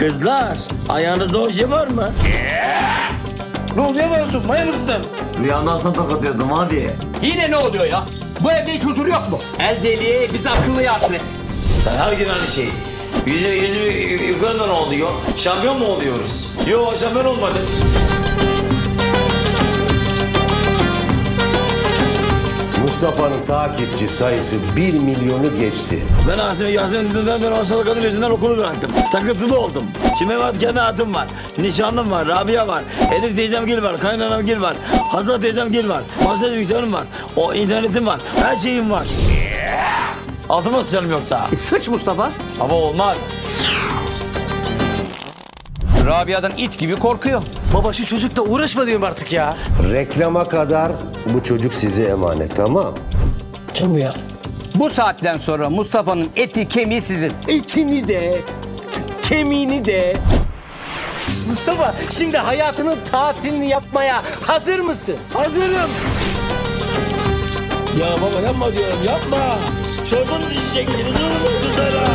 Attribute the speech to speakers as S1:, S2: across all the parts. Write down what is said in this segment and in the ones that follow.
S1: Kızlar, ayağınızda o şey var mı?
S2: Ne oluyor musun? Maya mısın sen?
S1: Rüyamdan sana tokatıyordum abi.
S3: Yine ne oluyor ya? Bu evde hiç huzur yok mu? El deliği bizi akıllıya hasret.
S1: Sen her gün aynı şey. Yüzü yukarıdan oluyor. Şampiyon mu oluyoruz? Yok, şampiyon olmadı.
S4: Mustafa'nın takipçi sayısı 1 milyonu geçti.
S1: Ben Yasemin'den ben hastalık kadın yüzünden okulu bıraktım. Takıntılı oldum. Şimdi benim kendi hayatım var. Nişanlım var, Rabia var. Elif teyzem Gil var, kaynanam Gil var. Hazal teyzem Gil var. Masaj bilgisayarım var. O internetim var. Her şeyim var. Altıma sıçarım yoksa.
S3: Sıç Mustafa.
S1: Ama olmaz.
S3: Rabia'dan it gibi korkuyor.
S2: Baba şu çocukla uğraşma diyorum artık ya.
S4: Reklama kadar bu çocuk size emanet, tamam?
S2: Kim bu ya?
S3: Bu saatten sonra Mustafa'nın eti kemiği sizin.
S2: Etini de, kemiğini de. Mustafa şimdi hayatının tatilini yapmaya hazır mısın?
S1: Hazırım. Ya baba yapma diyorum, yapma. Şuradan düşecektiniz oğlum kızlara.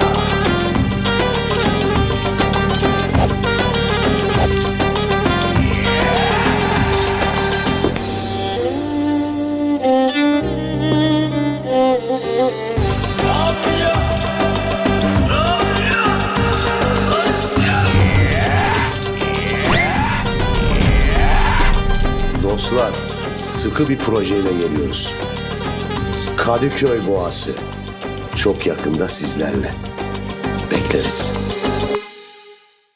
S4: Dostlar, sıkı bir projeyle geliyoruz. Kadıköy Boğası. Çok yakında sizlerle. Bekleriz.